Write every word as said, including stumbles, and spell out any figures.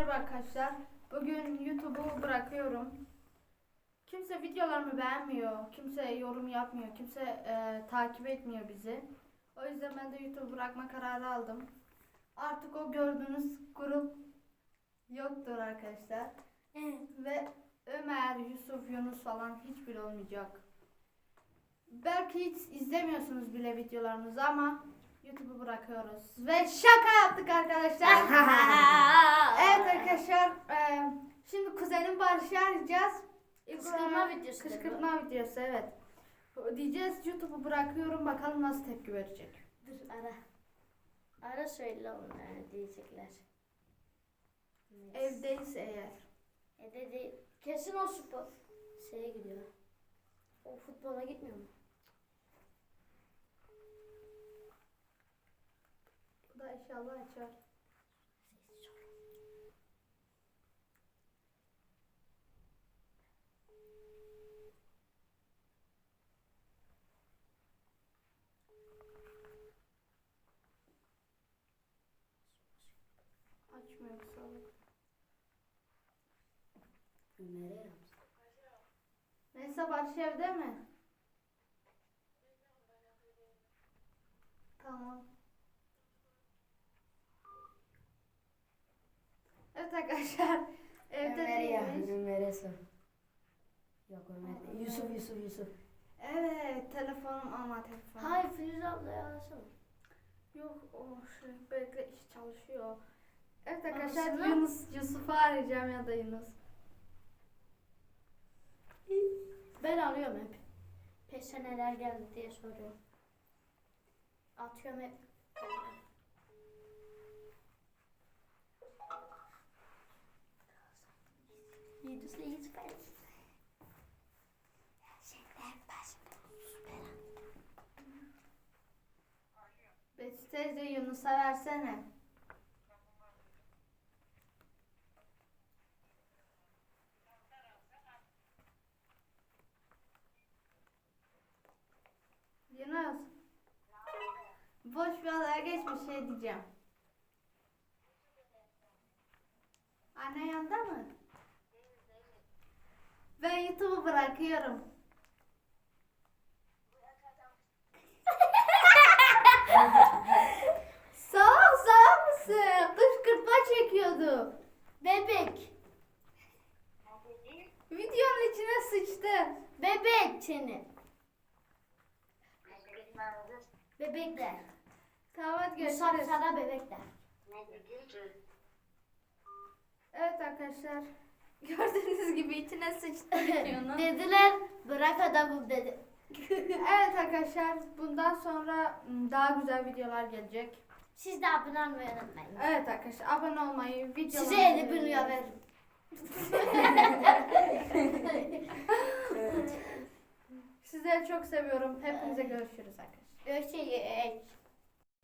Merhaba arkadaşlar. Bugün YouTube'u bırakıyorum. Kimse videolarımı beğenmiyor. Kimse yorum yapmıyor. Kimse e, takip etmiyor bizi. O yüzden ben de YouTube'u bırakma kararı aldım. Artık o gördüğünüz grup yoktur arkadaşlar. Ve Ömer, Yusuf, Yunus falan hiçbir olmayacak. Belki hiç izlemiyorsunuz bile videolarımızı ama YouTube'u bırakıyoruz. Ve şaka yaptık arkadaşlar. Evet arkadaşlar. E, şimdi kuzenim Barış'ı arayacağız. Kışkırtma videosu. Kışkırtma videosu, evet. Diyeceğiz YouTube'u bırakıyorum, bakalım nasıl tepki verecek. Dur ara. Ara söyle onlara diyecekler. Neyse. Evdeyiz eğer. Evde değil. Kesin o spor. Şeye gidiyor. O futbola gitmiyor mu? Bu da inşallah açar. Açmıyor salak. Nereye yapsın? Neyse, Barış evde mi? Tamam. Evet arkadaşlar. Evde değilmiş. Ömer'e sor. Yok Ömer değil. Yusuf Yusuf Yusuf. Evet, telefonum ama telefon. Hayır Filiz ablaya arasana. Yok, o şey bekle, iş çalışıyor. Evet arkadaşlar, Arasana. Yunus, Yusuf'u arayacağım ya da Yunus. Ben arıyorum hep. Peşe neler geldi diye soruyorum. Atıyorum hep. Yedisi hiç ben. Betül teyze, Yunus'a versene. Yunus. Boş bir adaya geçmiş, şey diyeceğim. Anne yanında mı? Ben YouTube'u bırakıyorum. Salak salak mısın? Kışkırtma çekiyordu. Bebek. Videonun içine sıçtı. Bebek seni. Bebekler. Tamam, hadi Musab görüşürüz. sana bebekler. Evet arkadaşlar. Gördüğünüz gibi içine sıçtı videonun. Dediler bırak adamı dedi. Evet arkadaşlar, bundan sonra ım, daha güzel videolar gelecek. Siz de abone olmayı unutmayın. Evet arkadaşlar, abone olmayı, videoları... Size elli bin lira veririm. Sizleri çok seviyorum. Hepinize görüşürüz arkadaşlar. Görüşürüz.